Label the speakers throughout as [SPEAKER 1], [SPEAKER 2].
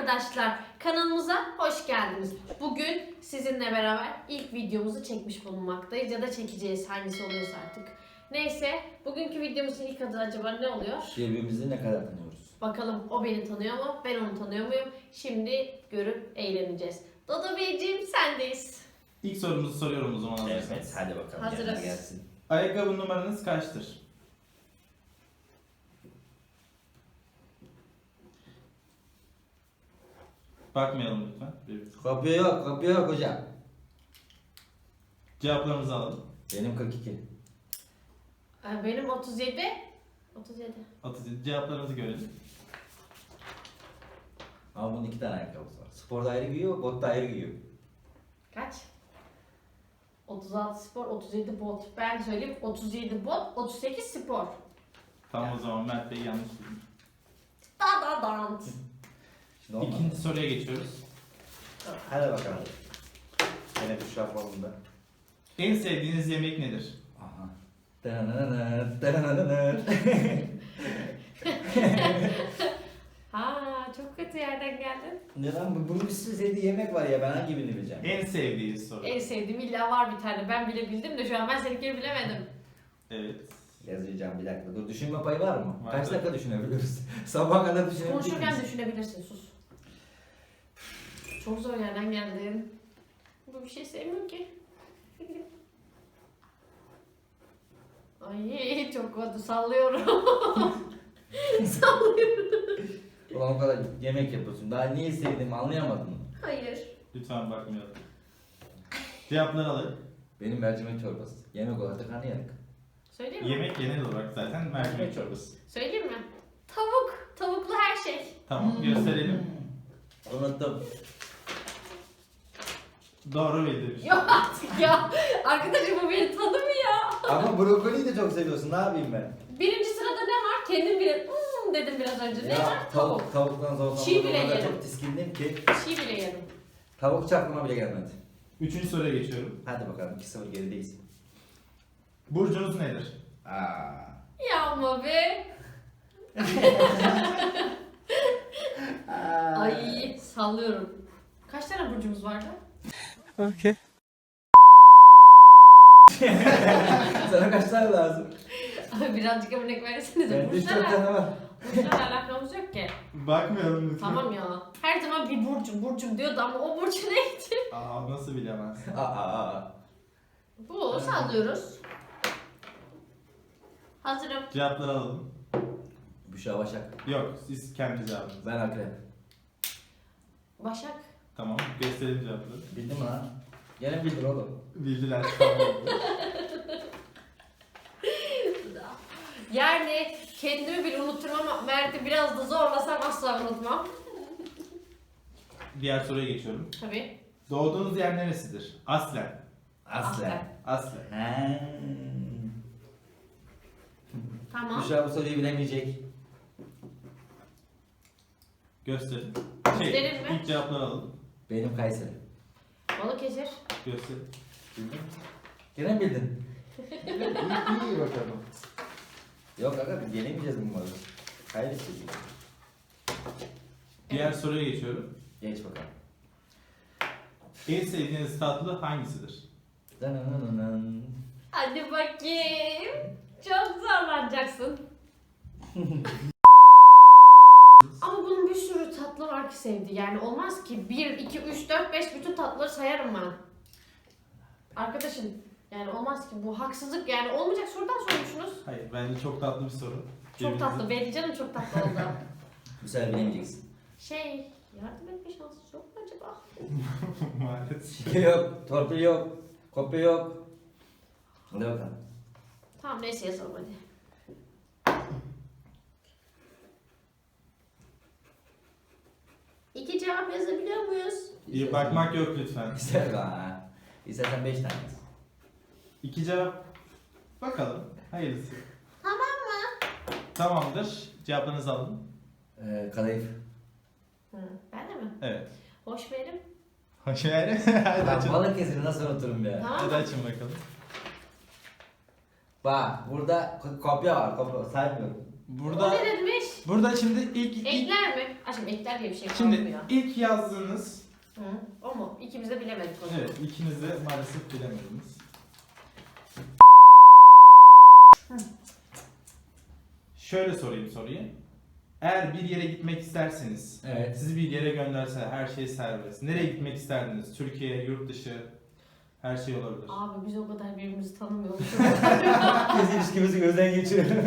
[SPEAKER 1] arkadaşlar, kanalımıza hoş geldiniz. Bugün sizinle beraber ilk videomuzu çekmiş bulunmaktayız ya da çekeceğiz, hangisi oluyorsa artık. Neyse, bugünkü videomuzun ilk adı acaba ne oluyor?
[SPEAKER 2] Birbirimizi ne kadar tanıyoruz?
[SPEAKER 1] Bakalım o beni tanıyor mu, ben onu tanıyor muyum? Şimdi görüp eğleneceğiz. Dodo Beyciğim sendeyiz.
[SPEAKER 3] İlk sorumuzu soruyorum o zaman hazırsanız.
[SPEAKER 2] Evet, hadi bakalım.
[SPEAKER 1] Hazırız.
[SPEAKER 2] Yerine gelsin.
[SPEAKER 3] Ayakkabı numaranız kaçtır? Bakmayalım lütfen.
[SPEAKER 2] Kopya yok hocam.
[SPEAKER 3] Cevaplarımızı alalım.
[SPEAKER 2] Benim 42.
[SPEAKER 1] Benim 37. 37.
[SPEAKER 3] 37. Cevaplarımızı görelim.
[SPEAKER 2] Ama bunun 2 tane ayakkabısı var. Sporda ayrı giyiyor, botta ayrı giyiyor.
[SPEAKER 1] Kaç? 36 spor, 37 bot. Ben söyleyeyim 37 bot, 38 spor.
[SPEAKER 3] Tamam o zaman Mert Bey yanlış bildim.
[SPEAKER 1] Da da dant.
[SPEAKER 2] Şimdi olmadı.
[SPEAKER 3] İkinci soruya geçiyoruz.
[SPEAKER 2] Hadi bakalım. Yine Büşra formunda.
[SPEAKER 3] En sevdiğiniz yemek nedir?
[SPEAKER 2] Aha. Dananana, dananana.
[SPEAKER 1] Ha, çok kötü yerden geldin.
[SPEAKER 2] Ne lan bunun bir sürü sevdiği yemek var ya, ben hangi birini bileceğim?
[SPEAKER 3] En sevdiği soru.
[SPEAKER 1] En sevdiğim illa var bir tane. Ben bile bildim de şu an ben seninkini bilemedim.
[SPEAKER 3] Evet.
[SPEAKER 2] Yazacağım bir dakika. Dur, düşünme payı var mı?
[SPEAKER 3] Var.
[SPEAKER 2] Kaç dakika düşünebiliriz? Sabaha kadar düşünebilir
[SPEAKER 1] Konuşurken
[SPEAKER 2] miyiz?
[SPEAKER 1] düşünebilirsin, sus. Çok zor yerden geldin. Bu bir şey sevmiyorum ki. Ay çok kötü sallıyorum. Sallıyorum.
[SPEAKER 2] Ulan o kadar yemek yapıyorsun. Daha niye sevdiğimi anlayamadın mı?
[SPEAKER 1] Hayır.
[SPEAKER 3] Lütfen bakmayalım. Cevapları alalım.
[SPEAKER 2] Benim mercimek çorbası. Yemek olarak da karnıyarık.
[SPEAKER 1] Söyleyeyim mi?
[SPEAKER 3] Yemek genel olarak zaten mercimek çorbası.
[SPEAKER 1] Söyleyeyim mi? Tavuk. Tavuklu her şey.
[SPEAKER 3] Tamam gösterelim.
[SPEAKER 2] Unuttum.
[SPEAKER 3] Doğru bildirmiş.
[SPEAKER 1] Yok artık ya. Arkadaşım bu beni tanımıyor.
[SPEAKER 2] Ama brokoliyi de çok seviyorsun. Ne yapayım ben?
[SPEAKER 1] Birinci sırada ne var? Kendim bile dedim biraz önce. Ne var? Tavuk.
[SPEAKER 2] Tavuktan sonra
[SPEAKER 1] Çiğ bile
[SPEAKER 2] o kadar
[SPEAKER 1] yerim.
[SPEAKER 2] çok tiskindim ki
[SPEAKER 1] Çiğ bile yerim.
[SPEAKER 2] tavuk çaklıma bile gelmedi.
[SPEAKER 3] Üçüncü soruya geçiyorum.
[SPEAKER 2] Hadi bakalım 2-0 gerideyiz.
[SPEAKER 3] Burcunuz nedir?
[SPEAKER 2] Aa.
[SPEAKER 1] Ya ama be. Ay sallıyorum. Kaç tane burcumuz vardı?
[SPEAKER 3] Okay.
[SPEAKER 2] Sana kaç tane lazım?
[SPEAKER 1] Abi birazcık örnek versenize.
[SPEAKER 2] Bende 3-4 tane var.
[SPEAKER 1] Burçlarla alakamız yok ki.
[SPEAKER 3] Bakmayalım lütfen.
[SPEAKER 1] Tamam ya. Her zaman bir burcum diyordu ama o burcu neydi?
[SPEAKER 3] Aa nasıl bilemezsin?
[SPEAKER 2] Aa.
[SPEAKER 1] Bu sallıyoruz. Hazırım.
[SPEAKER 3] Cevapları alalım.
[SPEAKER 2] Büşra Başak.
[SPEAKER 3] Yok siz kendi cevabınız.
[SPEAKER 2] Ben Akrep.
[SPEAKER 1] Başak.
[SPEAKER 3] Tamam gösterelim cevapları.
[SPEAKER 2] Bildin mi lan? Gene bildin oğlum.
[SPEAKER 3] Bildiler tamam.
[SPEAKER 1] Yani kendimi bile unuturum ama Mert'i biraz da zorlasam asla unutmam.
[SPEAKER 3] Diğer soruya geçiyorum.
[SPEAKER 1] Tabii.
[SPEAKER 3] Doğduğunuz yer neresidir? Aslen.
[SPEAKER 2] Aslen.
[SPEAKER 3] Aslen.
[SPEAKER 2] He.
[SPEAKER 1] Tamam.
[SPEAKER 2] Büşra bu soruyu bilemeyecek.
[SPEAKER 3] Gösterin.
[SPEAKER 1] Gösterin mi?
[SPEAKER 3] İlk cevapları alalım.
[SPEAKER 2] Benim Kayseri.
[SPEAKER 1] Balıkesir.
[SPEAKER 3] Gösterin.
[SPEAKER 2] Bildin mi? Gene mi bildin? iyi bakalım. Yok aga biz yenemeyeceğiz bu malı. Kaybedeceğiz.
[SPEAKER 3] Diğer soruya geçiyorum.
[SPEAKER 2] Geç bakalım.
[SPEAKER 3] En sevdiğiniz tatlı hangisidir?
[SPEAKER 2] Dananananan.
[SPEAKER 1] Hadi bakayım. Çok zorlanacaksın. Ama bunun bir sürü tatlı var ki sevdi. Yani olmaz ki 1, 2, 3, 4, 5 bütün tatlıları sayarım ben. Arkadaşım yani olmaz ki bu haksızlık yani olmayacak sorudan sormuşsunuz.
[SPEAKER 3] Hayır bence çok tatlı bir soru.
[SPEAKER 1] Çok tatlı. Benim canım çok tatlı oldu.
[SPEAKER 2] Bu sefer bilemeyeceksin.
[SPEAKER 1] Yardım etme şansı yok mu acaba?
[SPEAKER 3] Maalesef.
[SPEAKER 2] Şike yok, torpil yok, kopya yok. Hadi bakalım.
[SPEAKER 1] Tamam neyse yazalım hadi. İki cevap yazabiliyor muyuz?
[SPEAKER 3] İyi bakmak yok lütfen.
[SPEAKER 2] İster ha. İstersen 5 tane.
[SPEAKER 3] İki cevap. Bakalım. Hayırlısı.
[SPEAKER 1] Tamam mı?
[SPEAKER 3] Tamamdır. Cevaplarınızı alın.
[SPEAKER 2] Kadayıf.
[SPEAKER 1] Ben de mi?
[SPEAKER 3] Evet.
[SPEAKER 1] Hoş verim.
[SPEAKER 3] Hoş geldin. Hadi
[SPEAKER 2] Ben
[SPEAKER 3] açın.
[SPEAKER 2] Balıkesir'i nasıl unuturum ya?
[SPEAKER 1] Tamam
[SPEAKER 3] Hadi
[SPEAKER 1] mı?
[SPEAKER 3] açın bakalım.
[SPEAKER 2] Bak burada kopya var, kopya saymıyorum.
[SPEAKER 1] O
[SPEAKER 3] Burada
[SPEAKER 1] ne demiş?
[SPEAKER 3] burada şimdi ilk
[SPEAKER 1] Ekler mi? Aşkım ekler diye bir şey
[SPEAKER 3] şimdi
[SPEAKER 1] kalmıyor.
[SPEAKER 3] ilk yazdığınız
[SPEAKER 1] Hı, o mu? İkimiz de bilemedik o zaman.
[SPEAKER 3] evet ikiniz de maalesef bilemediniz. Şöyle sorayım soruyu. Eğer bir yere gitmek isterseniz,
[SPEAKER 2] Evet.
[SPEAKER 3] sizi bir yere gönderse her şey serbest. Nereye gitmek isterdiniz? Türkiye, yurt dışı, her şey olabilir.
[SPEAKER 1] Abi biz o kadar birbirimizi tanımıyoruz.
[SPEAKER 2] Biz ilişkimizi gözden geçirelim.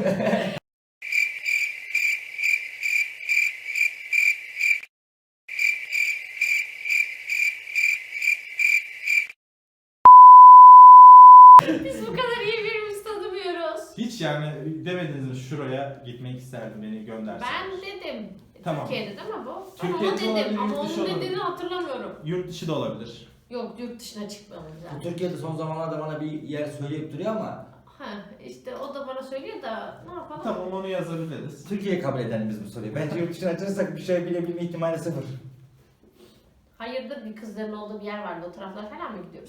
[SPEAKER 1] Biz bu kadar iyi birbirimizi tanımıyoruz.
[SPEAKER 3] Hiç yani demediniz mi şuraya gitmek isterdim beni gönderse.
[SPEAKER 1] Ben dedim.
[SPEAKER 3] Tamam.
[SPEAKER 1] Türkiye'de değil mi bu?
[SPEAKER 3] Türkiye'de
[SPEAKER 1] Ama
[SPEAKER 3] olabilir,
[SPEAKER 1] dedim ama
[SPEAKER 3] yurt dışı
[SPEAKER 1] onun
[SPEAKER 3] olabilir.
[SPEAKER 1] dediğini hatırlamıyorum.
[SPEAKER 3] Yurt dışı da olabilir.
[SPEAKER 1] Yok yurt dışına çıkmamız lazım.
[SPEAKER 2] Türkiye'de son zamanlarda bana bir yer söyleyip duruyor ama
[SPEAKER 1] Ha işte o da bana söylüyor da ne yapalım?
[SPEAKER 3] Tamam onu yazabiliriz.
[SPEAKER 2] Türkiye'yi kabul edelim biz bu soruyu. Bence yurt dışına açarsak bir şey bilebilme ihtimali sıfır.
[SPEAKER 1] Hayırdır bir kızların olduğu bir yer vardı o taraflara falan mı gidiyoruz?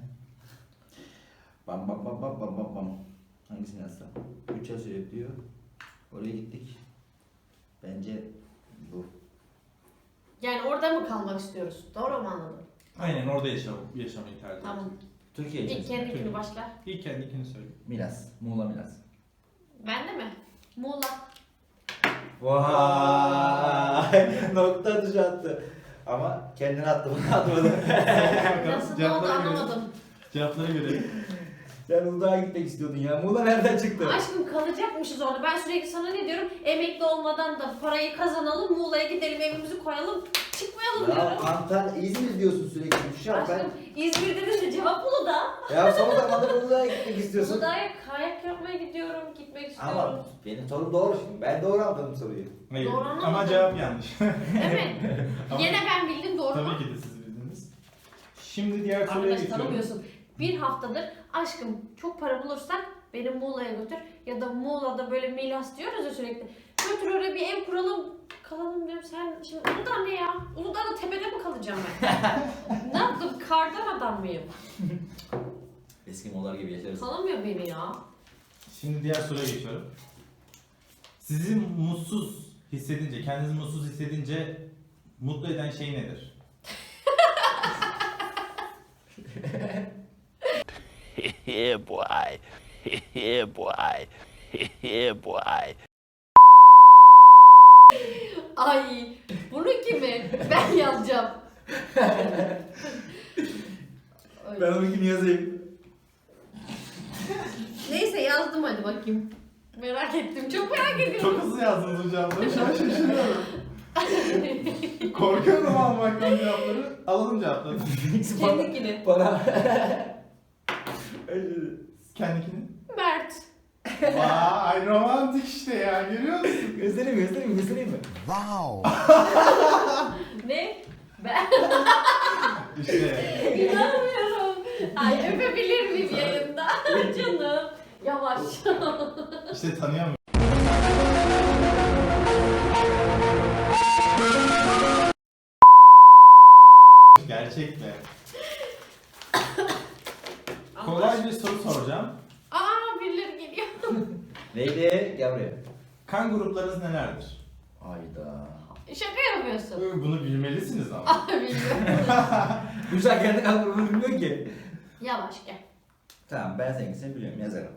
[SPEAKER 2] Bam bam bam bam bam bam bam. Hangisini yazsam? 3 yazıyor diyor. Oraya gittik. Bence bu.
[SPEAKER 1] Yani orada mı kalmak istiyoruz? Doğru mu anladım?
[SPEAKER 3] Aynen orada yaşamayı tercih
[SPEAKER 1] Tamam.
[SPEAKER 3] ediyorum.
[SPEAKER 2] Türkiye
[SPEAKER 1] İlk
[SPEAKER 2] için.
[SPEAKER 1] kendikini başlar.
[SPEAKER 3] İlk kendikini söyle.
[SPEAKER 2] Milas. Muğla Milas.
[SPEAKER 1] Ben de mi? Muğla.
[SPEAKER 2] Vay! Nokta atışı attı. Ama kendini attı, bunu atmadı.
[SPEAKER 1] Nasıl ne oldu anlamadım.
[SPEAKER 3] Cevapları görelim.
[SPEAKER 2] Sen Uludağ'a gitmek istiyordun ya. Muğla nereden çıktı?
[SPEAKER 1] Aşkım kalacakmışız orada. Ben sürekli sana ne diyorum? Emekli olmadan da parayı kazanalım, Muğla'ya gidelim, evimizi koyalım, çıkmayalım
[SPEAKER 2] Ya
[SPEAKER 1] diyorum.
[SPEAKER 2] Antalya, İzmir diyorsun sürekli. Şu an ben...
[SPEAKER 1] Aşkım İzmir dedin de cevap Uludağ.
[SPEAKER 2] Ya son zamanlarda Uludağ'a gitmek istiyorsun.
[SPEAKER 1] Uludağ'a kayak yapmaya gidiyorum, gitmek istiyorum.
[SPEAKER 2] Ama benim sorum doğru şimdi. Ben doğru anladım soruyu.
[SPEAKER 3] Hayır.
[SPEAKER 1] Doğru anlamadım.
[SPEAKER 3] Ama cevap yanlış.
[SPEAKER 1] Evet.
[SPEAKER 3] Ama-
[SPEAKER 1] Yine ben bildim doğru mu?
[SPEAKER 3] Tabii ki de siz bildiniz. Şimdi diğer soruya
[SPEAKER 1] Arkadaş
[SPEAKER 3] geçiyorum.
[SPEAKER 1] tanımıyorsun. Bir haftadır aşkım çok para bulursak beni Muğla'ya götür ya da Muğla'da böyle Milas diyoruz ya sürekli. Götür oraya bir ev kuralım kalalım diyorum. Sen şimdi Uludağ ne ya? Uludağ'da tepede mi kalacağım ben? Ne yaptım? Kardan adam mıyım?
[SPEAKER 2] Eskimolar gibi yaşarız.
[SPEAKER 1] Tanımıyor beni ya.
[SPEAKER 3] Şimdi diğer soruya geçiyorum. Sizi mutsuz hissedince, kendinizi mutsuz hissedince mutlu eden şey nedir?
[SPEAKER 4] Yeah, boy. Yeah, boy. Yeah, boy.
[SPEAKER 1] Ay bunu kimi? Ben yazacağım. Ay.
[SPEAKER 2] Ben onunkini yazayım.
[SPEAKER 1] Neyse yazdım hadi bakayım. Merak ettim. Çok merak ediyorum.
[SPEAKER 3] Çok hızlı yazdınız bu cevapları. Şu an şaşırıyorum. Korkuyorum almaktan cevapları. Alalım cevapları.
[SPEAKER 1] Kendikini.
[SPEAKER 2] Bana...
[SPEAKER 3] Kendikini.
[SPEAKER 1] Mert.
[SPEAKER 3] Vay romantik işte ya. Görüyor musun?
[SPEAKER 2] göstereyim mi?
[SPEAKER 1] Ne? Ben
[SPEAKER 3] İşte.
[SPEAKER 1] inanmıyorum. Ay öpebilir miyim yayında? Canım. Yavaş.
[SPEAKER 3] İşte tanıyor musun? Gerçek mi? Kolay bir soru soracağım.
[SPEAKER 1] Aa birileri geliyor.
[SPEAKER 2] Neydi? Gel buraya.
[SPEAKER 3] Kan gruplarınız nelerdir?
[SPEAKER 2] Hayda.
[SPEAKER 1] Şaka yapıyorsun.
[SPEAKER 3] Bunu bilmelisiniz ama.
[SPEAKER 1] Aa bilmiyorum.
[SPEAKER 2] Güzel kendi kaldırımını bilmiyor ki.
[SPEAKER 1] Yavaş gel.
[SPEAKER 2] Tamam ben seninkisini biliyorum yazarım.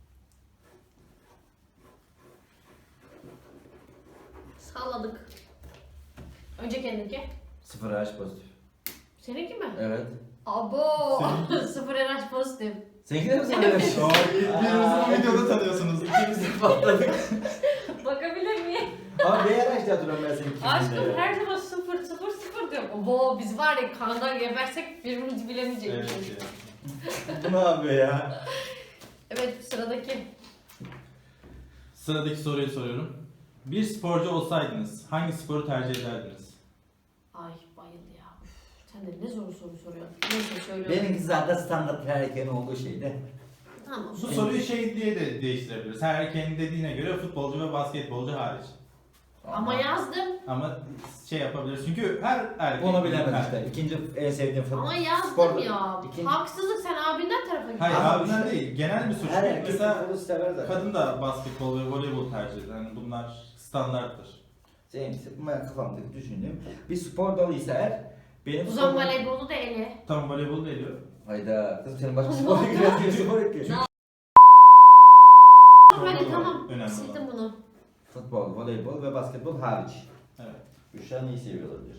[SPEAKER 1] Salladık. Önce kendinki.
[SPEAKER 2] 0 RH pozitif.
[SPEAKER 1] Seninki mi?
[SPEAKER 2] Evet.
[SPEAKER 1] Abo.
[SPEAKER 3] Seninki.
[SPEAKER 1] 0 RH pozitif.
[SPEAKER 2] Seninki de mi 0 RH?
[SPEAKER 3] Oo, birbirinizi bu videoda tanıyorsunuz.
[SPEAKER 2] İkimiz patladık.
[SPEAKER 1] Bakabilir miyim?
[SPEAKER 2] Ama B RH diye hatırlıyorum ben seninkini.
[SPEAKER 1] Aşkım her zaman 0 0 0 diyorum. Abo biz var ya kandan gebersek birbirimizi bilemeyecekmişiz.
[SPEAKER 3] Evet ya.
[SPEAKER 2] Bu ne yapıyor ya?
[SPEAKER 1] Evet sıradaki.
[SPEAKER 3] Sıradaki soruyu soruyorum. Bir sporcu olsaydınız hangi sporu tercih ederdiniz?
[SPEAKER 1] Ay bayıldı ya. Üf, sen de ne zor soru soruyorsun. Neyse söylüyorum.
[SPEAKER 2] Benimki zaten standart her erkeğin olduğu şeydi.
[SPEAKER 1] Tamam.
[SPEAKER 3] Bu soruyu şey diye de değiştirebiliriz. Her erkeğin dediğine göre futbolcu ve basketbolcu hariç.
[SPEAKER 1] Ama yazdım.
[SPEAKER 3] Ama şey yapabilir çünkü her erkek...
[SPEAKER 2] Onu bilemez işte. İkinci en sevdiğim futbol.
[SPEAKER 1] Ama yazdım
[SPEAKER 2] Spor-
[SPEAKER 1] ya.
[SPEAKER 2] İkinci-
[SPEAKER 1] Haksızlık, sen abinden tarafa git.
[SPEAKER 3] Hayır
[SPEAKER 2] Ama
[SPEAKER 3] abinden
[SPEAKER 2] işte-
[SPEAKER 3] değil. Genel bir suç.
[SPEAKER 2] Her erkek
[SPEAKER 3] Mesela
[SPEAKER 2] futbolu sever zaten.
[SPEAKER 3] kadın da basketbol ve voleybol tercih eder. Yani bunlar standarttır.
[SPEAKER 2] Bu kafamdaki düşündüğüm bir spor dalıysa eğer benim
[SPEAKER 1] O zaman
[SPEAKER 2] spor-
[SPEAKER 1] voleybolu da ele.
[SPEAKER 3] Tamam voleybol da ediyor.
[SPEAKER 2] Hayda kızım senin başka spora giriyorsun diye spor yapıyor.
[SPEAKER 1] Hadi tamam.
[SPEAKER 3] Önemli
[SPEAKER 1] Sildim
[SPEAKER 3] olan.
[SPEAKER 1] bunu.
[SPEAKER 2] Futbol, voleybol ve basketbol hariç.
[SPEAKER 3] Evet.
[SPEAKER 2] Büşra neyi seviyor olabilir?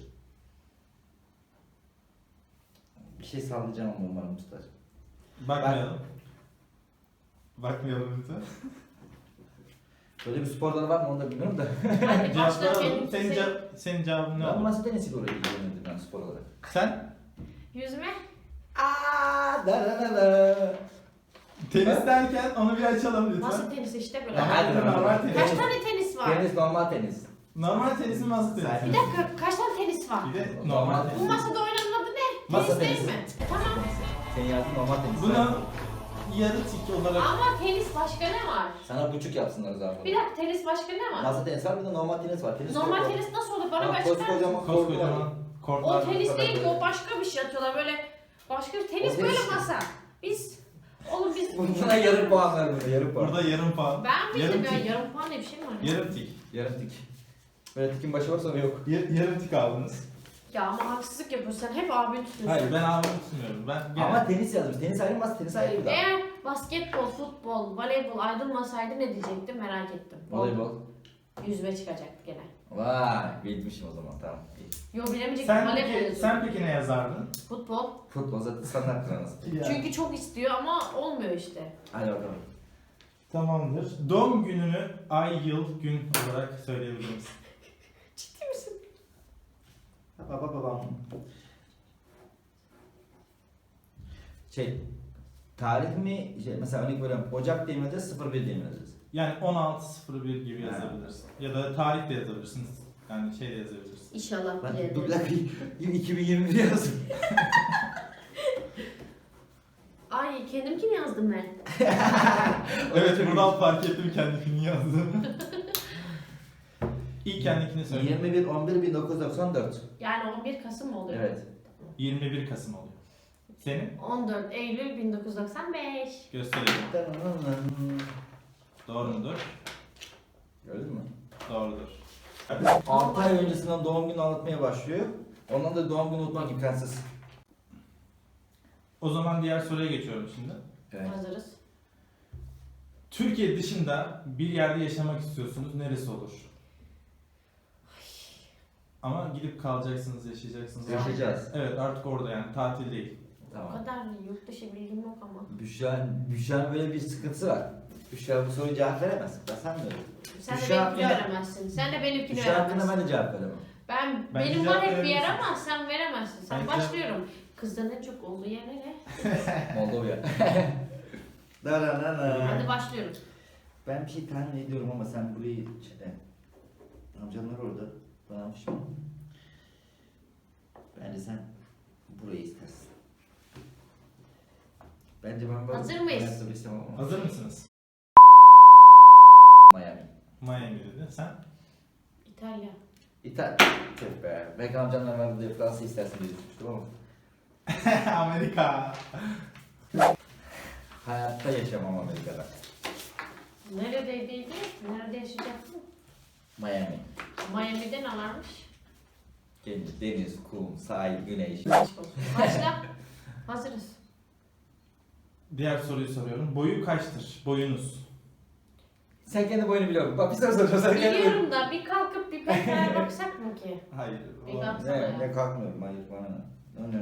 [SPEAKER 2] Bir şey sallayacağım ama umarım tutar.
[SPEAKER 3] Bakmayalım. Bakmayalım lütfen.
[SPEAKER 2] Böyle bir spor dalı var mı onu da bilmiyorum da.
[SPEAKER 1] Hadi başla
[SPEAKER 3] Cevapları alalım.
[SPEAKER 1] kendisi.
[SPEAKER 3] Senin cevabın ne
[SPEAKER 2] Ben
[SPEAKER 3] olur?
[SPEAKER 2] masa tenisiyle oraya ilgilenirdim ben spor olarak.
[SPEAKER 3] Sen?
[SPEAKER 1] Yüzme.
[SPEAKER 2] Aaa da da da da.
[SPEAKER 3] Tenis derken onu bir açalım lütfen.
[SPEAKER 1] Masa tenisi işte böyle.
[SPEAKER 2] Ya hadi
[SPEAKER 3] Normal
[SPEAKER 2] normal
[SPEAKER 3] tenis.
[SPEAKER 1] Kaç tane tenis var?
[SPEAKER 2] Tenis normal tenis.
[SPEAKER 3] Normal tenisin masa
[SPEAKER 1] Bir
[SPEAKER 3] tenisi.
[SPEAKER 1] dakika, kaç tane tenis var?
[SPEAKER 3] Bir de normal
[SPEAKER 1] Bu
[SPEAKER 3] tenis.
[SPEAKER 1] masada oynanan adı ne?
[SPEAKER 2] Masa
[SPEAKER 1] Tenis değil
[SPEAKER 2] tenisi.
[SPEAKER 1] mi? Tamam.
[SPEAKER 2] Senin yazdığın normal tenis.
[SPEAKER 3] Bunu yarı tik olarak...
[SPEAKER 1] Ama tenis başka ne var?
[SPEAKER 2] Sana buçuk yapsınlar o zaman.
[SPEAKER 1] Bir dakika, tenis başka ne var?
[SPEAKER 2] Masa tenis var bir de normal tenis var. Tenis
[SPEAKER 1] Normal
[SPEAKER 2] kortu.
[SPEAKER 1] tenis nasıl olur? Bana
[SPEAKER 2] Bak,
[SPEAKER 1] başka.
[SPEAKER 2] koskocaman kortu var.
[SPEAKER 3] Koskocaman kortlar.
[SPEAKER 1] O tenis
[SPEAKER 2] kadar
[SPEAKER 1] değil ki,
[SPEAKER 2] böyle.
[SPEAKER 1] o başka bir şey atıyorlar böyle. Başka bir tenis
[SPEAKER 2] O
[SPEAKER 1] böyle
[SPEAKER 2] tenis.
[SPEAKER 1] masa. Oğlum biz...
[SPEAKER 2] Buna yarım puan ver burada yarım puan.
[SPEAKER 3] Burada yarım puan.
[SPEAKER 1] Ben bildim ya,
[SPEAKER 3] tik.
[SPEAKER 1] yarım puan diye bir şey mi var?
[SPEAKER 3] Yarım tik.
[SPEAKER 2] Yarım tik. Böyle tikin başı var sonra yok.
[SPEAKER 3] Yarım tik aldınız.
[SPEAKER 1] Ya ama haksızlık yapıyorsun, sen hep abini tutuyorsun.
[SPEAKER 3] Hayır ben abimi tutmuyorum. Ben
[SPEAKER 2] Ama tenis yazmış. Tenis ayrı masa tenis ayrı bir daha.
[SPEAKER 1] Eğer basketbol, futbol, voleybol ayrılmasaydı ne diyecektim merak ettim.
[SPEAKER 2] Voleybol.
[SPEAKER 1] Yüzme çıkacaktı gene.
[SPEAKER 2] Vay bilmişim o zaman tamam. İyi.
[SPEAKER 1] Yo bilemeyecektim,
[SPEAKER 3] sen
[SPEAKER 1] voleybol
[SPEAKER 3] peki,
[SPEAKER 1] yazıyor.
[SPEAKER 3] sen peki ne yazardın?
[SPEAKER 1] Futbol.
[SPEAKER 2] Futbol zaten standart nasıl?
[SPEAKER 1] Çünkü çok istiyor ama olmuyor işte.
[SPEAKER 2] Hadi bakalım.
[SPEAKER 3] Tamamdır. Doğum gününü ay, yıl, gün olarak söyleyebilir misin?
[SPEAKER 1] Ciddi misin?
[SPEAKER 2] Babam. Tarih mi? Mesela örnek veriyorum. Ocak diye mi yazacağız? 01 diye mi yazacağız?
[SPEAKER 3] Yani 16.01 gibi
[SPEAKER 2] Ha.
[SPEAKER 3] yazabilirsin. Ya da tarih de yazabilirsiniz. Yani şey de yazabilirsin.
[SPEAKER 1] İnşallah
[SPEAKER 2] Ben
[SPEAKER 1] bilelim.
[SPEAKER 2] dur bir dakika 2021 yazdım.
[SPEAKER 1] Ay kendimkini yazdım ben.
[SPEAKER 3] Evet buradan fark ettim kendimi yazdım. İlk kendikini söyle.
[SPEAKER 2] 21 11 1994.
[SPEAKER 1] Yani 11 Kasım mı oluyor?
[SPEAKER 2] Evet.
[SPEAKER 3] 21 Kasım oluyor. Senin?
[SPEAKER 1] 14 Eylül 1995.
[SPEAKER 3] Gösterelim. Doğru mudur?
[SPEAKER 2] Gördün mü?
[SPEAKER 3] Doğrudur.
[SPEAKER 2] 6 ay öncesinden doğum günü anlatmaya başlıyor. Ondan da doğum günü unutmak imkansız.
[SPEAKER 3] O zaman diğer soruya geçiyorum şimdi.
[SPEAKER 2] Evet.
[SPEAKER 1] Hazırız.
[SPEAKER 3] Türkiye dışında bir yerde yaşamak istiyorsunuz. Neresi olur? Ama gidip kalacaksınız, yaşayacaksınız.
[SPEAKER 2] Yaşayacağız.
[SPEAKER 3] Evet artık orada yani tatil değil.
[SPEAKER 1] O
[SPEAKER 2] Tamam.
[SPEAKER 1] kadar yurt dışı bilgim yok ama.
[SPEAKER 2] Büşra'nın böyle bir sıkıntısı var. Büşra bu soruya cevap veremez. Ben sanmıyorum.
[SPEAKER 1] Sen de
[SPEAKER 2] Büşra
[SPEAKER 1] benimkini
[SPEAKER 2] hakkında-
[SPEAKER 1] veremezsin. Sen de benimkini
[SPEAKER 2] Büşra hakkında
[SPEAKER 1] veremezsin.
[SPEAKER 2] ben de cevap veremem.
[SPEAKER 1] Ben
[SPEAKER 3] Bence
[SPEAKER 1] benim var
[SPEAKER 3] cevap
[SPEAKER 1] hep bir yer
[SPEAKER 3] verebilirsin.
[SPEAKER 1] ama sen veremezsin. Sen
[SPEAKER 3] Bence-
[SPEAKER 1] başlıyorum. Kızların en çok olduğu yer nere?
[SPEAKER 2] Moldova.
[SPEAKER 1] Hadi başlıyorum.
[SPEAKER 2] Ben bir şey tahmin ediyorum ama sen burayı amcamlar orada bana pişman. Bence sen burayı istersin. Bence ben böyle
[SPEAKER 1] Hazır mıyız?
[SPEAKER 2] hayatta bir istemem ama.
[SPEAKER 3] Hazır mısınız?
[SPEAKER 2] Miami.
[SPEAKER 3] Miami dedi. Sen?
[SPEAKER 1] İtalya.
[SPEAKER 2] İtalya. Tüh be. Belki amcamlar var diye Fransa istersin diye düşünmüştüm ama.
[SPEAKER 3] Amerika.
[SPEAKER 2] Hayatta yaşamam Amerika'da.
[SPEAKER 1] Neredeydi? Nerede yaşayacaktın?
[SPEAKER 2] Miami.
[SPEAKER 1] Miami'de ne varmış?
[SPEAKER 2] Deniz, kum, sahil, güneş.
[SPEAKER 1] Aşk olsun. Başla. Hazırız.
[SPEAKER 3] Diğer soruyu soruyorum. Boyu kaçtır? Boyunuz.
[SPEAKER 2] Sen kendi boyunu biliyor musun? Bak bir soru soracağım. Sen kendi boyunu.
[SPEAKER 1] Biliyorum da bir kalkıp bir petraya baksak mı ki?
[SPEAKER 3] Hayır.
[SPEAKER 1] Bir
[SPEAKER 3] o-
[SPEAKER 1] kalk-
[SPEAKER 2] Ne kalkmıyorum. Hayır bana ne?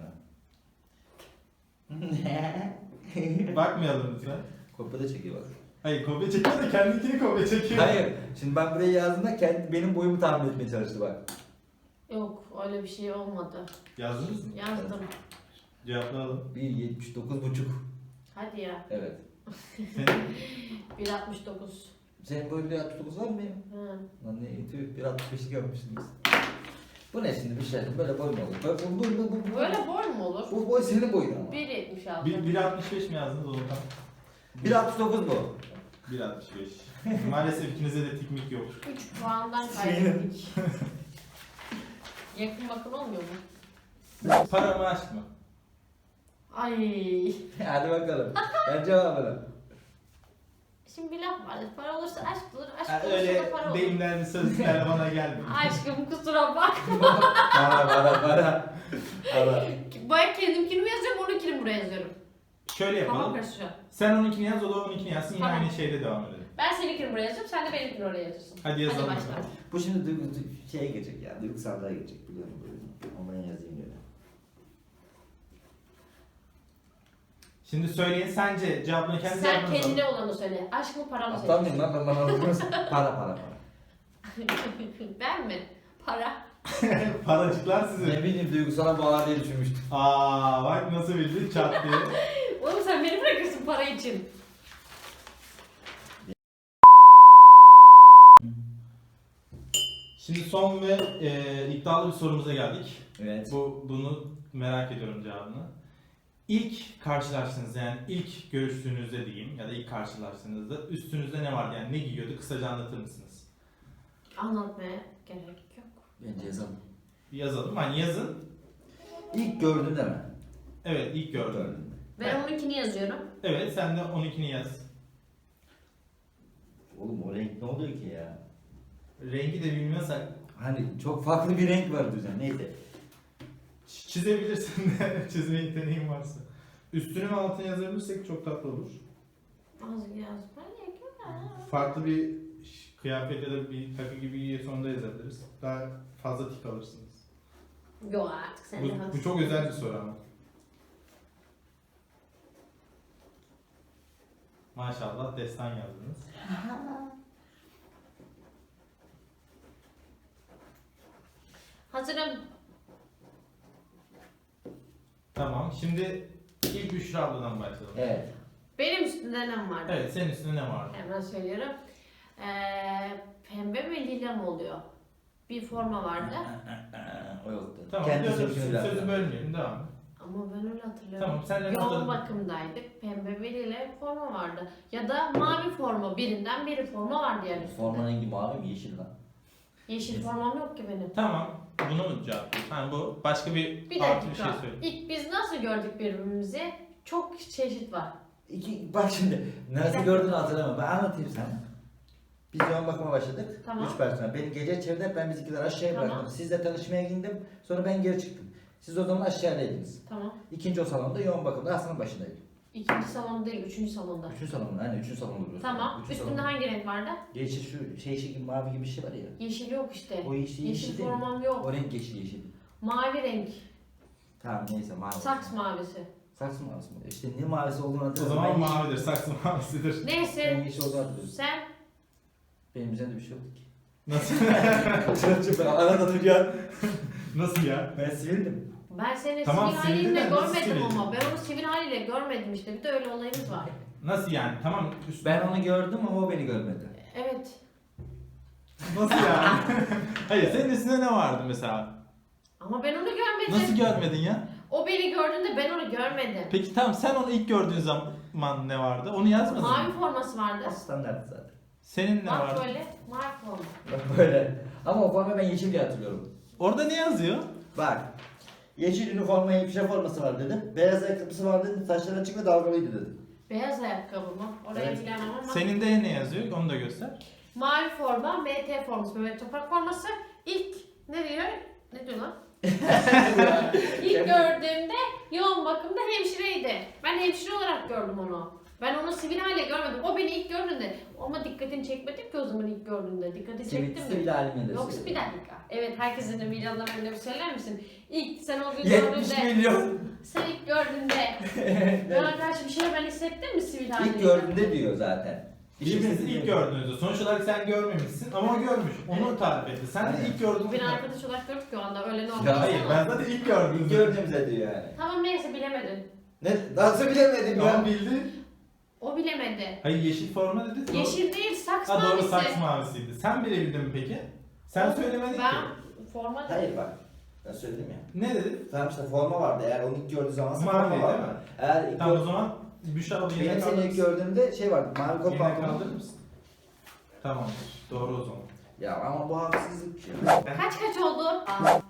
[SPEAKER 2] No.
[SPEAKER 3] Bakmayalım lütfen.
[SPEAKER 2] Kopya da çekiyor bak.
[SPEAKER 3] Hayır kopya çekiyor da kendikini kopya çekiyor.
[SPEAKER 2] Hayır. Şimdi ben buraya yazdığımda benim boyumu tahmin etmeye çalıştı bak.
[SPEAKER 1] Yok öyle bir şey olmadı.
[SPEAKER 3] Yazdınız mı?
[SPEAKER 1] Yazdım.
[SPEAKER 3] Cevaplayalım.
[SPEAKER 2] 1.79,5.
[SPEAKER 1] Hadi ya.
[SPEAKER 2] Evet.
[SPEAKER 3] Senin?
[SPEAKER 1] 1.69.
[SPEAKER 2] Senin boyun 1.69 var mı benim?
[SPEAKER 1] Hı.
[SPEAKER 2] Lan ne tüh 1.65'lik yapmışsınız. Bu ne şimdi bir şey? Böyle boy mu olur? Bu
[SPEAKER 1] Böyle boy mu olur?
[SPEAKER 2] Bu boy senin boyun ama.
[SPEAKER 1] 1.76.
[SPEAKER 3] 1.65 mi yazdınız o zaman?
[SPEAKER 2] 1.69 bu.
[SPEAKER 3] 1.65. Maalesef ikinizde de tikmik yok.
[SPEAKER 1] 3 puandan kaybettik. Yakın bakın olmuyor mu?
[SPEAKER 3] Para mı aşk mı?
[SPEAKER 1] Ay.
[SPEAKER 2] Hadi bakalım. Ben cevabını.
[SPEAKER 1] Şimdi bir laf vardır. Para olursa aşk olur, aşk
[SPEAKER 3] Ha,
[SPEAKER 1] olursa
[SPEAKER 3] öyle
[SPEAKER 1] da para olur.
[SPEAKER 3] deyimler, sözler bana gelmiyor.
[SPEAKER 1] Aşkım kusura bakma.
[SPEAKER 2] Para.
[SPEAKER 1] Ben kendimkini mi yazıyorum, onunkini buraya yazıyorum.
[SPEAKER 3] Şöyle
[SPEAKER 1] Tamam
[SPEAKER 3] yapalım.
[SPEAKER 1] karışacağım.
[SPEAKER 3] Sen onunkini yaz, o da onunkini yazsın. Yine
[SPEAKER 1] Tamam.
[SPEAKER 3] aynı şeyde devam edelim.
[SPEAKER 1] Ben seninkini buraya yazıyorum, sen de benimkini oraya yazıyorsun.
[SPEAKER 3] Hadi yazalım
[SPEAKER 1] başla.
[SPEAKER 3] bakalım.
[SPEAKER 2] Bu şimdi şeye gelecek ya. Duygusallığa gelecek biliyorum böyle. Onu ben yazayım böyle.
[SPEAKER 3] Şimdi söyleyin, sence cevabını kendi
[SPEAKER 1] Sen
[SPEAKER 3] cevabınızı
[SPEAKER 1] kendine olanı söyle. Aşk mı para mı
[SPEAKER 2] Atlamayayım lan ben bana anlatıyorsun. Para.
[SPEAKER 1] Ben mi? Para.
[SPEAKER 3] Paracıklar sizin.
[SPEAKER 2] Ne bileyim duygusala bağlar diye düşünmüştüm.
[SPEAKER 3] Aa bak nasıl bildin çat diye.
[SPEAKER 1] Oğlum sen beni bırakırsın para için.
[SPEAKER 3] Şimdi son ve iddialı bir sorumuza geldik.
[SPEAKER 2] Evet.
[SPEAKER 3] Bunu merak ediyorum cevabını. İlk karşılaştığınızda, yani ilk görüştüğünüzde diyeyim ya da ilk karşılaştığınızda üstünüzde ne vardı, yani ne giyiyordu, kısaca anlatır mısınız?
[SPEAKER 1] Anlatmaya gerek yok.
[SPEAKER 2] Bence yazalım.
[SPEAKER 3] Bir yazalım, hani yazın.
[SPEAKER 2] İlk gördün değil mi?
[SPEAKER 3] Evet, ilk gördüm.
[SPEAKER 2] Gördün.
[SPEAKER 1] Ben onunkini yazıyorum.
[SPEAKER 3] Evet, sen de 12'ni yaz.
[SPEAKER 2] Oğlum o renk ne oluyor ki ya?
[SPEAKER 3] Rengi de bilmiyorsak
[SPEAKER 2] Hani çok farklı bir renk var düzen. Neyse.
[SPEAKER 3] çizebilirsin de çizme yeteneğin varsa. Üstünü ve altını yazabilirsek çok tatlı olur.
[SPEAKER 1] Az yazmaya gerek yok.
[SPEAKER 3] Farklı bir kıyafet ya da bir takı gibi giyiyorsan da yazabiliriz. Daha fazla tik alırsınız.
[SPEAKER 1] Yok artık sen de
[SPEAKER 3] Bu
[SPEAKER 1] haklısın.
[SPEAKER 3] çok özel bir soru ama. Maşallah destan yazdınız.
[SPEAKER 1] Hazırım.
[SPEAKER 3] Tamam, şimdi ilk Büşra abladan başlayalım.
[SPEAKER 2] Evet.
[SPEAKER 1] Benim üstümde ne vardı?
[SPEAKER 3] Evet, senin üstünde ne vardı?
[SPEAKER 1] Hemen söylüyorum. Pembe ve lila mı oluyor? Bir forma vardı.
[SPEAKER 2] O yoktu.
[SPEAKER 3] Tamam,
[SPEAKER 2] Kendi
[SPEAKER 3] sözü
[SPEAKER 2] sözünü biraz.
[SPEAKER 3] bölmeyelim, devam et.
[SPEAKER 1] Ama ben öyle hatırlıyorum.
[SPEAKER 3] Tamam, sen de
[SPEAKER 1] Yoğun
[SPEAKER 3] hatırladın.
[SPEAKER 1] bakımdaydık. Pembe ve lila forma vardı. Ya da mavi forma. Birinden biri forma vardı yani üstünde.
[SPEAKER 2] Forma rengi mavi mi yeşil lan?
[SPEAKER 1] Yeşil formam yok ki benim.
[SPEAKER 3] Tamam, bunu mu cevap? Yani bu başka bir
[SPEAKER 1] Bir
[SPEAKER 3] artı bir
[SPEAKER 1] dakika.
[SPEAKER 3] şey söyle.
[SPEAKER 1] İlk biz nasıl gördük birbirimizi? Çok çeşit var.
[SPEAKER 2] Bak şimdi nasıl gördüğünü hatırlamam. Ben anlatayım sana. Biz yoğun bakıma başladık.
[SPEAKER 1] Tamam.
[SPEAKER 2] 3 personel. Beni gece çevirdi. Ben bizimkileri aşağıya
[SPEAKER 1] Tamam.
[SPEAKER 2] bıraktım. Sizle tanışmaya gittim. Sonra ben geri çıktım. Siz o zaman aşağıdaydınız.
[SPEAKER 1] Tamam.
[SPEAKER 2] İkinci o salonda yoğun bakımda Hasan'ın başındaydım.
[SPEAKER 1] İkinci salon değil, üçüncü salonda.
[SPEAKER 2] Üçüncü salonda. Aynen üçüncü salonda duruyorsun.
[SPEAKER 1] Tamam.
[SPEAKER 2] Üçüncü
[SPEAKER 1] Üstünde
[SPEAKER 2] salonda.
[SPEAKER 1] hangi renk vardı?
[SPEAKER 2] Yeşil şu şey gibi mavi gibi bir şey var ya.
[SPEAKER 1] Yeşil yok işte.
[SPEAKER 2] O yeşil
[SPEAKER 1] Yeşil
[SPEAKER 2] değil mi?
[SPEAKER 1] formam yok.
[SPEAKER 2] O renk yeşil.
[SPEAKER 1] Mavi renk.
[SPEAKER 2] Tamam neyse mavi.
[SPEAKER 1] Saks mavisi.
[SPEAKER 2] Saksı mavisi mi? İşte ne mavisi olduğunu
[SPEAKER 3] O
[SPEAKER 2] hatırlamıyorum.
[SPEAKER 3] zaman
[SPEAKER 2] Ben
[SPEAKER 3] mavidir, saksı mavisidir.
[SPEAKER 2] Ben
[SPEAKER 1] Neyse.
[SPEAKER 2] yeşil olduğunu hatırlıyorum.
[SPEAKER 1] Sen
[SPEAKER 2] Benim üzerinde bir şey yoktu ki.
[SPEAKER 3] Nasıl?
[SPEAKER 2] Çok arada duruyor.
[SPEAKER 3] Nasıl ya?
[SPEAKER 2] Ben sivildim.
[SPEAKER 1] ben seni
[SPEAKER 3] Tamam,
[SPEAKER 1] sivil haliyle
[SPEAKER 3] sivildin de nasıl
[SPEAKER 1] görmedim
[SPEAKER 3] sivildin?
[SPEAKER 1] ama. Ben onu sivil haliyle görmedim işte. Bir de öyle olayımız var.
[SPEAKER 3] Nasıl yani? Tamam.
[SPEAKER 2] Ben onu gördüm ama o beni görmedi.
[SPEAKER 1] Evet.
[SPEAKER 3] Nasıl yani? Hayır, senin üstünde ne vardı mesela?
[SPEAKER 1] Ama ben onu görmedim.
[SPEAKER 3] Nasıl görmedin ya?
[SPEAKER 1] O beni gördüğünde ben onu görmedim.
[SPEAKER 3] Peki tamam, sen onu ilk gördüğün zaman ne vardı? Onu yazmadın
[SPEAKER 1] Mavi
[SPEAKER 3] mı?
[SPEAKER 1] forması vardı.
[SPEAKER 2] Standart zaten.
[SPEAKER 3] Senin ne
[SPEAKER 1] Bak
[SPEAKER 3] vardı?
[SPEAKER 1] böyle. Mavi forma.
[SPEAKER 2] Bak böyle. Ama o forma ben yeşil diye hatırlıyorum.
[SPEAKER 3] Orada ne yazıyor?
[SPEAKER 2] Bak. Yeşil üniforma, hemşire forması var dedim. Beyaz ayakkabısı var dedim. Saçları açık ve dalgalıydı dedim.
[SPEAKER 1] Beyaz ayakkabı mı? Oraya
[SPEAKER 2] Evet.
[SPEAKER 1] bilemem ama.
[SPEAKER 3] Senin de ne yazıyor? Onu da göster.
[SPEAKER 1] Mavi forma, MT forması, Mehmet Toprak forması. İlk ne diyor? Ne diyor lan? İlk gördüğümde yoğun bakımda hemşireydi. Ben hemşire olarak gördüm onu. Ben onu sivil hale görmedim. O beni ilk gördüğünde ama dikkatini çekmedim ki o zaman ilk gördüğünde. Dikkatini çektim mi?
[SPEAKER 2] Sivil halimle de
[SPEAKER 1] Yoksa bir
[SPEAKER 2] söylüyorum.
[SPEAKER 1] dakika. Evet, herkesin de milyondan önce bir söyler misin? İlk sen o gün
[SPEAKER 2] 70
[SPEAKER 1] gördüğünde,
[SPEAKER 2] milyon.
[SPEAKER 1] sen ilk gördüğünde bana karşı bir şey ben hissettin mi sivil halde?
[SPEAKER 2] İlk gördüğünde diyor zaten.
[SPEAKER 3] Birbirinizi ilk gördüğünüzde. Sonuç olarak sen görmemişsin ama o görmüş. Onu tarif etti. Sen de ilk gördüğünde...
[SPEAKER 1] Beni arkadaş olarak gördük ki o anda öyle normal.
[SPEAKER 2] Ya
[SPEAKER 3] Hayır, ben zaten ilk
[SPEAKER 2] İlk
[SPEAKER 3] gördüğümde.
[SPEAKER 2] gördüğümüzde diyor yani.
[SPEAKER 1] Tamam neyse bilemedin.
[SPEAKER 2] Ne? Nasıl bilemedim
[SPEAKER 3] Tamam,
[SPEAKER 2] ya?
[SPEAKER 3] bildi.
[SPEAKER 1] O bilemedi.
[SPEAKER 3] Hayır, yeşil forma dedi. Doğru.
[SPEAKER 1] Yeşil değil, saks
[SPEAKER 3] Ha doğru,
[SPEAKER 1] mavisi.
[SPEAKER 3] saks mavisiydi. Sen bilebildin mi peki? Sen söylemedin
[SPEAKER 1] Ben
[SPEAKER 3] ki.
[SPEAKER 1] forma
[SPEAKER 2] Hayır bak. Ben söyledim ya.
[SPEAKER 3] Ne dedi?
[SPEAKER 2] Tamam işte forma vardı. Eğer onu ilk gördüğü zaman
[SPEAKER 3] Mavi
[SPEAKER 2] forma var.
[SPEAKER 3] değil mi?
[SPEAKER 2] Eğer ilk
[SPEAKER 3] Tamam o zaman Büşra abla
[SPEAKER 2] Benim
[SPEAKER 3] yemek
[SPEAKER 2] seni
[SPEAKER 3] kaldırır
[SPEAKER 2] ilk
[SPEAKER 3] mısın?
[SPEAKER 2] gördüğümde şey vardı. Mavi kot
[SPEAKER 3] Yemek
[SPEAKER 2] pantolon.
[SPEAKER 3] kaldırır mısın? Tamamdır. Doğru o zaman.
[SPEAKER 2] Ya ama bu haksızlık ya.
[SPEAKER 1] Kaç oldu?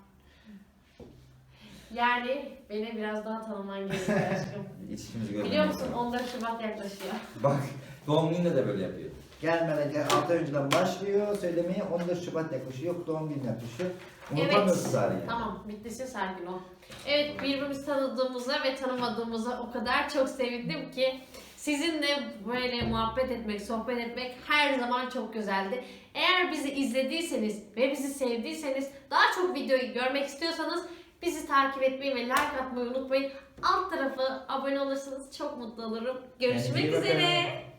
[SPEAKER 1] Yani beni biraz daha tanıman gerekiyor aşkım.
[SPEAKER 2] İçişimizi görmemiz
[SPEAKER 1] Biliyor musun
[SPEAKER 2] lazım.
[SPEAKER 1] 14 Şubat yaklaşıyor.
[SPEAKER 2] Bak doğum gününde de böyle yapıyor. Gelmeden 6 ay önceden başlıyor söylemeye 14 Şubat yaklaşıyor. Yok doğum günü yaklaşıyor. Unutamıyorsun tarihi.
[SPEAKER 1] Tamam, bittiyse sakin ol. Evet, birbirimizi tanıdığımıza ve tanımadığımıza o kadar çok sevindim ki sizinle böyle muhabbet etmek, sohbet etmek her zaman çok güzeldi. Eğer bizi izlediyseniz ve bizi sevdiyseniz, daha çok videoyu görmek istiyorsanız bizi takip etmeyi ve like atmayı unutmayın. Alt tarafı abone olursanız çok mutlu olurum. Görüşmek
[SPEAKER 2] Kendinize iyi bakın.
[SPEAKER 1] üzere.